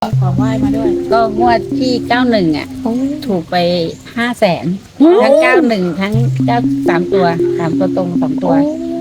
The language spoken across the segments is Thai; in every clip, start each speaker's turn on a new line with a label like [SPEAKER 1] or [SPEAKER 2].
[SPEAKER 1] ของไหว้มาด้วย
[SPEAKER 2] ก็งวดที่91อ่ะถูกไป500,000ทั้ง91ทั้ง93ตัว3ตัวตรง2 ตัว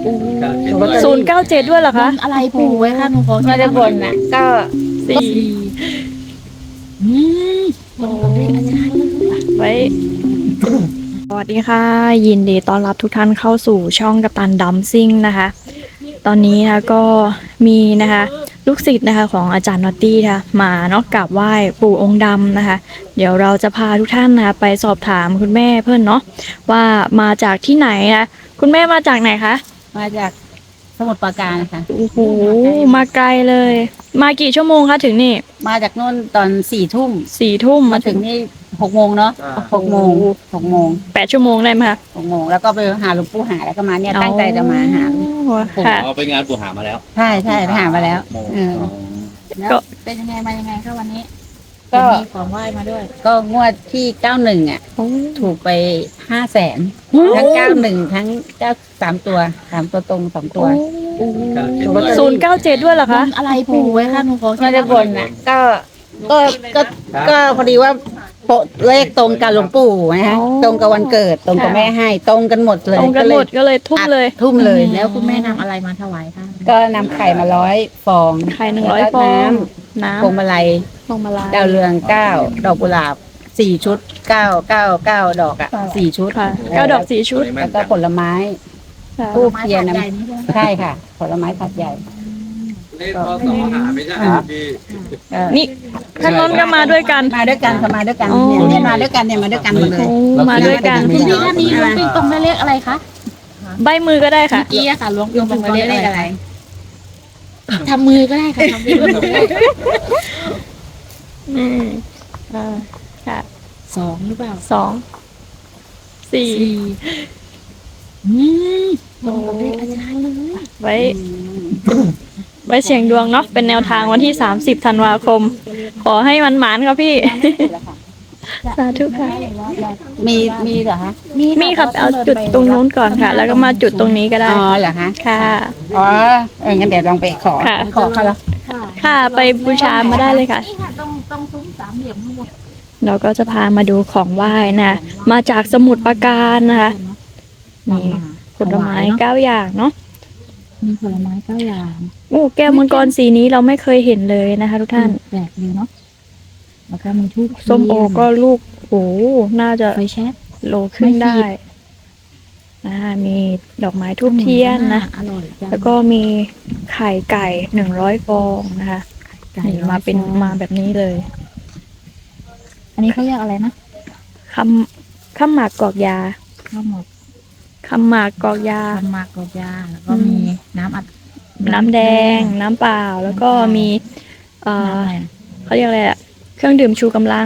[SPEAKER 3] 097ด้วยเหรอคะ
[SPEAKER 1] อะไรปู่ไว้ค่ะหนูขอ
[SPEAKER 2] ไม่ได้บนอ่ะก็
[SPEAKER 3] 4
[SPEAKER 1] อืมลงกับเลขอาจารย์
[SPEAKER 3] ไว้ สวัสดีค่ะ ยินดีต้อนรับทุกท่านเข้าสู่ช่องกัปตันดัมซิ่งนะคะ ตอนนี้นะก็มีนะคะลูกศิษย์นะคะของอาจารย์นอตตี้ค่ะมาเนาะกราบไหว้ปู่องค์ดำนะคะ เดี๋ยวเราจะพาทุกท่านนะคะไปสอบถามคุณแม่เพื่อนเนาะว่ามาจากที่ไหนนะคุณแม่มาจากไหนคะ
[SPEAKER 2] มาจากสมุทรปราการค่ะ
[SPEAKER 3] โอ้โหมาไกลเลย มากี่ชั่วโมงคะถึงนี่
[SPEAKER 2] มาจากนู่นตอน4 ทุ่ม
[SPEAKER 3] 4 ทุ่ม
[SPEAKER 2] มาถึงนี่6 โมงเนาะ6 โมง
[SPEAKER 3] 8 ชั่วโมงได้ไหมคะ
[SPEAKER 2] 6 โมงแล้วก็ไปหาหลวงปู่หาแล้วก็มาเนี่ยตั้งใจจะมาหา
[SPEAKER 3] ค่ะ
[SPEAKER 4] เอาไปงานปู่หามาแล้ว
[SPEAKER 2] ใช่ไปหามาแล้ว
[SPEAKER 1] แล้วเป็นยังไงมายังไงก็วันนี้
[SPEAKER 2] ก็
[SPEAKER 1] มีของไหว้มาด้วย
[SPEAKER 2] ก็งวดที่91อ่ะถูกไป500,000ทั้ง91ทั้ง93ตัว3ตัวตรง2 ตัว
[SPEAKER 3] 097ด้วยเหรอคะ
[SPEAKER 1] อะไรปู่ไว้ค่ะหนูขอ
[SPEAKER 2] ไม่ได้บนอ่ะก็พอดีว่าเลขตรงกับหลวงปู่นะฮะตรงกับวันเกิดตรงกับแม่ให้ตรงกันหมดเลย
[SPEAKER 3] ตรงกันหมดก็เลยทุ่มเลย
[SPEAKER 2] ทุ่มเลย
[SPEAKER 1] แล้วคุณแม่นำอะไรมาถวายค่ะ
[SPEAKER 2] ก็นำไข่มา100 ฟอง
[SPEAKER 3] ไข่100 ฟองน้ำ
[SPEAKER 2] พวงมาลัยดาวเรือง9 ดอกกุหลาบ4 ชุด9 ดอกอ่ะ4 ชุด
[SPEAKER 3] ค่ะ9 ดอก4 ชุด
[SPEAKER 2] แล้วก็ผลไม้ทูบเทียนน้ำใช่ค่ะผลไม้ถาดใหญ่
[SPEAKER 4] เลขพศหาไม่ใช่พี่
[SPEAKER 3] นี่ท่านน้นก็มาด้วยกัน
[SPEAKER 2] ค่ะมาด้วยกันเนี่ยมาด้วยกันหมดเลย
[SPEAKER 3] มาด้วยกัน
[SPEAKER 1] คุณพี่ท่านนี้ล้วงปิงปองได้เลขอะไรคะ
[SPEAKER 3] ใบมือก็ได้ค่ะ
[SPEAKER 1] เมื่อกี้อะค่ะล้วงปิงปองได้เลขอะไรทำมือก็ได้ค่ะทำมือก็ได้
[SPEAKER 3] ค่ะ
[SPEAKER 1] 2หรือเปล่า
[SPEAKER 3] 2 4
[SPEAKER 1] ลงกับเลขอาจารย์เลย
[SPEAKER 3] ไว้เสี่ยงดวงเนาะเป็นแนวทางวันที่30 ธันวาคมขอให้มันหมานครับพี่สาธุค่ะ
[SPEAKER 2] มีเหรอคะ
[SPEAKER 3] มีครับเอาจุดตรงนู้นก่อนค่ะ แล้วก็มาจุดตรงนี้ก็ได้
[SPEAKER 2] อ๋อเหรอคะ
[SPEAKER 3] ค่ะ
[SPEAKER 2] อ๋องั้นเดี๋ยวลองไปขอเขาแล้ว
[SPEAKER 3] ค่ะไปบูชามาได้เลยค่ะ
[SPEAKER 1] ต้องซุ้มสามเหลี่ยมทั้งหมด
[SPEAKER 3] เราก็จะพามาดูของไหว้นะมาจากสมุทรปราการนะคะนี่ผลไม้9 อย่างเนาะ
[SPEAKER 1] มีผลไม้9 อย่าง
[SPEAKER 3] โอ้แก้วมังกรสีนี้เราไม่เคยเห็นเลยนะคะทุกท่าน
[SPEAKER 1] แปลกดีเนาะแล้วก็มีทูบ
[SPEAKER 3] ส้มโอก็ลูกโอ้น่าจะ
[SPEAKER 1] ไฟแช็ก
[SPEAKER 3] โลขึ้นได้มีดอกไม้ทูบเทียนนะแล้วก็มีไข่ไก่100 ฟองนะคะมาแบบนี้เลย
[SPEAKER 1] อันนี้เขาเรียกอะไรนะ
[SPEAKER 3] ข้าวหมากกอกยา
[SPEAKER 1] ข้าวหมก
[SPEAKER 3] คำหมากกอกยา
[SPEAKER 1] แล้วก็มี
[SPEAKER 3] น้ำแดงน้ำเปล่าแล้วก็มีเขาเรียกอะไรอะเครื่องดื่มชูกำลัง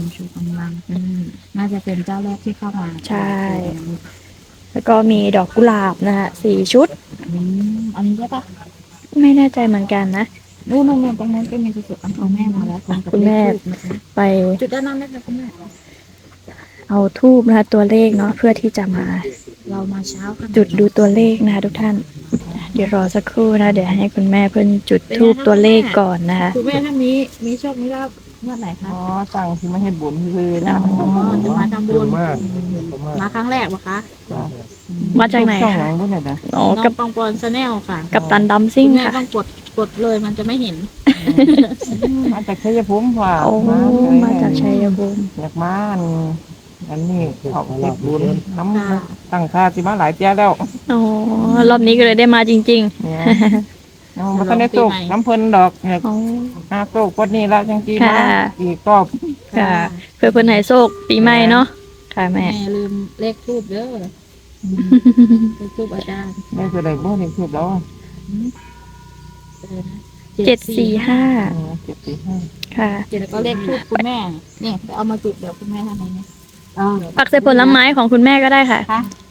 [SPEAKER 1] น่าจะเป็นเจ้าแรกที่เข้ามา
[SPEAKER 3] ใช่แล้วก็มีดอกกุหลาบนะคะ4 ชุด
[SPEAKER 1] อันนี้ใช่ปะ
[SPEAKER 3] ไม่แน่ใจเหมือนกันนะ
[SPEAKER 1] นู่นตรงนั้นก็มีสุดเอาแม่มาแล้ว
[SPEAKER 3] คุณแม่ไป
[SPEAKER 1] จุดด้านนั้นนะคะคุณแม่
[SPEAKER 3] เอาทูบนะคะตัวเลขเนาะเพื่อที่จะมา
[SPEAKER 1] เรามาเช้า
[SPEAKER 3] จุดดูตัวเลขนะคะทุกท่านเดี๋ยวรอสักครู่นะเดี๋ยวให้คุณแม่เพิ่นจุดทูบตัวเลขก่อนนะคะ
[SPEAKER 1] คุณแม่ท่านนี้มีโชคมีลาภเมื่อไหร่คะ
[SPEAKER 2] สั่งที่ไม่ให้บุญคือนะ
[SPEAKER 1] จะมาทำบุญมาครั้งแรกปะคะ
[SPEAKER 3] มาจากไหนคะ
[SPEAKER 1] น้องปองปอนชาแนลค่ะ
[SPEAKER 3] กับตันดัมซิ่งค่ะ
[SPEAKER 1] ต้องกดเลยมันจะไม่เห็น
[SPEAKER 2] มาจากชัยภูมิค่ะ
[SPEAKER 3] มาจากชัยภูมิ
[SPEAKER 2] อยากมาอันนี้เขาเก็บบุญน้ำตั้งค่าที่มาหลายเจ้าแล้ว
[SPEAKER 3] รอบนี้ก็เลยได้มาจริง
[SPEAKER 2] ๆมาตั้งในตู้น้ำเพลินดอกเนี่ยตู้กดนี่แล้วจังกี้มาอีกรอบ
[SPEAKER 3] ค่ะเพื่อเพิ่นให้โชคปีใหม่เนาะค่ะแม่
[SPEAKER 1] ลืมเลขทูบเด้อเลขทูบอาจารย์
[SPEAKER 2] แม่จะได้บ่เลขทูบแล้ว
[SPEAKER 3] 745ค่ะ
[SPEAKER 1] แล้วก็เลขทูบคุณแม่เนี่ยไปเอามาจุดเดี๋ยวคุณแม่ทำไงเนี่ย
[SPEAKER 3] ปักใส่ผลไม้ของคุณแม่ก็ได้ค่ะ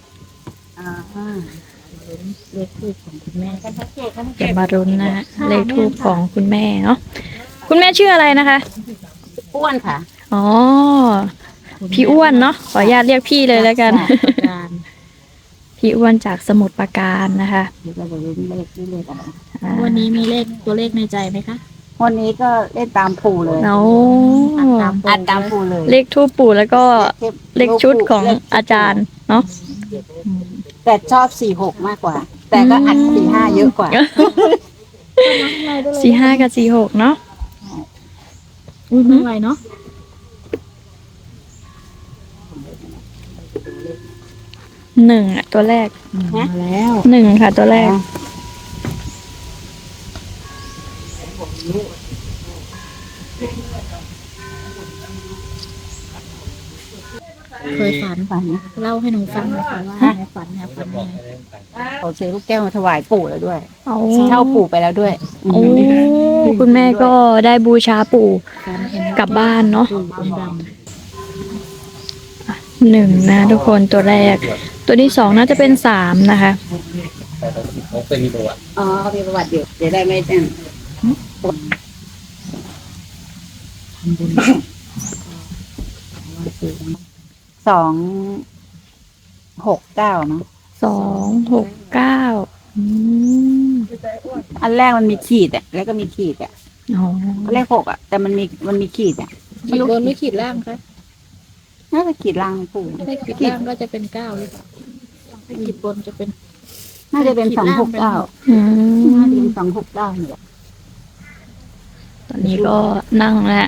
[SPEAKER 1] เลขทูบของคุณแม่
[SPEAKER 3] จะมารุ้นนะเลขทูบของคุณแม่เนาะคุณแม่ชื่ออะไรนะคะ
[SPEAKER 2] อ้วนค่ะ
[SPEAKER 3] อ๋อพี่อ้วนเนาะขออนุญาตเรียกพี่เลยแล้วกันพี่อ้วนจากสมุทรปราการนะคะ
[SPEAKER 1] วันนี้มีตัวเลขในใจไหมคะ
[SPEAKER 2] วันนี้ก็เล่นตามปู่เลย
[SPEAKER 3] เอา
[SPEAKER 2] อัดตามปู่เลย
[SPEAKER 3] เลขทูปปู่แล้วก็เลขชุดของอาจารย์เนาะ
[SPEAKER 2] แต่ชอบ46มากกว่า แต่ก็อัด45เยอะกว่า
[SPEAKER 3] 45 กับ 46 เนาะ
[SPEAKER 1] อุ้ยไม่ไหวเนาะ
[SPEAKER 3] 1อ่ะตัวแรก
[SPEAKER 1] มาแล้ว
[SPEAKER 3] 1 ค่ะ ตัวแรก
[SPEAKER 1] เคยฝัน
[SPEAKER 2] ฝัน
[SPEAKER 1] เล่าให้หนูฟังหน่อยค่ะว่าในฝันเนี่ยฝันยังไง
[SPEAKER 2] เขาซื้อลูกแก้วมาถวายปู่แล้วด้วย
[SPEAKER 3] เอา
[SPEAKER 2] เช่าปู่ไปแล้วด้วย
[SPEAKER 3] โอ้คุณแม่ก็ได้บูชาปู่
[SPEAKER 1] ฝันเห็น
[SPEAKER 3] กลับบ้านเนาะ
[SPEAKER 1] ปู่ด
[SPEAKER 3] 1นะทุกคนตัวแรก ตัวที่ 2 น่าจะเป็น 3 นะคะ
[SPEAKER 4] เขาเคยมีประวัติ
[SPEAKER 2] อ๋อเขามีประวัติอยู่เดี๋ยวได้ไม่แจ้ง269เนาะ
[SPEAKER 3] 269
[SPEAKER 2] อันแรกมันมีขีดอ่ะแล้วก็มีขีดอ่ะ
[SPEAKER 3] อ๋อ
[SPEAKER 2] เลข6อ่ะ แต่มันมีขีดอ่ะ
[SPEAKER 1] ำขีดบนหรือขีดล่างคะ
[SPEAKER 2] น่าจะขีดล่างปู่
[SPEAKER 1] ถ้าขีดล่างก็จะเป็น9หรือเปล่าถ้าขีดบนจะเป็น
[SPEAKER 2] น่าจะเป็น269
[SPEAKER 3] อื
[SPEAKER 2] น่าม จะเป็น269เนี่ย
[SPEAKER 3] ตอนนี้ก็นั่งแล้ว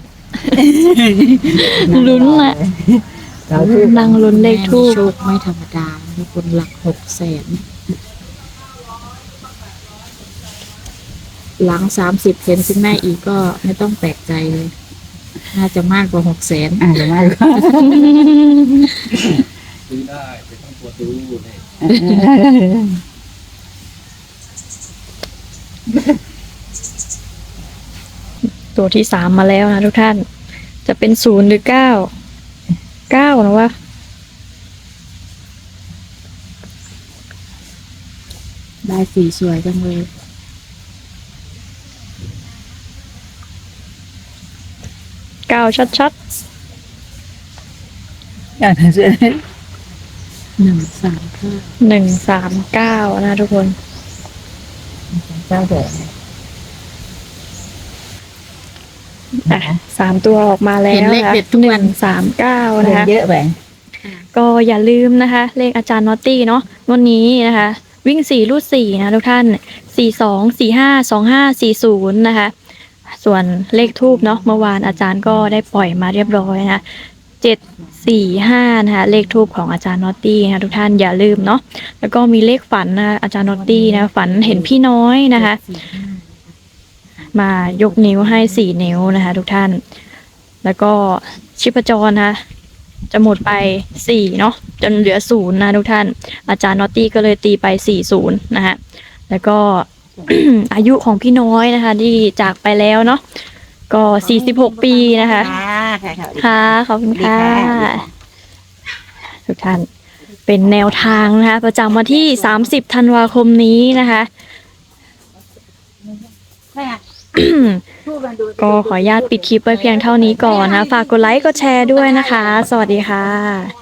[SPEAKER 3] ลุ้นแหละนั่งลุ้นเลขทู
[SPEAKER 1] แม่มี
[SPEAKER 3] ป
[SPEAKER 1] โชคไม่ธรรมดามีคนหลัก600,000หลัง30เห็นคุณแม่อีกก็ไม่ต้องแปลกใจเลย น่าจะมากกว่า600,000
[SPEAKER 2] เดี๋ยวมา
[SPEAKER 4] ซื้อได้เป็นต้องตัวดูเนี่ย
[SPEAKER 3] ตัวที่ 3 มาแล้วนะทุกท่าน จะเป็น0หรือ9 9นะวะ
[SPEAKER 1] ได้สีสวยจังเลย
[SPEAKER 3] 9 ชัด
[SPEAKER 2] อย่างนั้นใช่ไหม
[SPEAKER 1] 139
[SPEAKER 3] 139นะทุกคน
[SPEAKER 2] เจ้าเถอะ
[SPEAKER 3] อ่ะ3 ตัวออกมาแล้ว
[SPEAKER 1] เห็นเลข
[SPEAKER 3] นะคะ
[SPEAKER 1] เด็ดทุกวัน
[SPEAKER 3] 139นะคะ
[SPEAKER 2] เยอะไป
[SPEAKER 3] ก็อย่าลืมนะคะ เลขอาจารย์นอตตี้เนาะวันนี้นะคะ วิ่ง4ลูด4นะทุกท่าน42 45 25 40นะคะ ส่วนเลขทูบเนาะเมื่อวานอาจารย์ก็ได้ปล่อยมาเรียบร้อยนะ745นะคะเลขทูบของอาจารย์นอตตี้นะทุกท่านอย่าลืมเนาะแล้วก็มีเลขฝันนะอาจารย์นอตตี้นะฝันเห็นพี่น้อยนะคะ มายกนิ้วให้4 นิ้วนะคะทุกท่าน แล้วก็ชีพจรนะคะจะหมดไป4เนาะจนเหลือ0นะทุกท่าน อาจารย์นอตตี้ก็เลยตีไป40นะคะแล้วก็ อายุของพี่น้อยนะคะ ที่จากไปแล้วเนาะก็46 ปีนะคะ ค่ะขอบคุณค่ะ ทุกท่านเป็นแนวทางนะคะ ประจำวันที่30ธันวาคมนี้นะคะ ก็ขออนุญาตปิดคลิปไว้เพียงเท่านี้ก่อนนะ ฝากกดไลค์กดแชร์ด้วยนะคะ สวัสดีค่ะ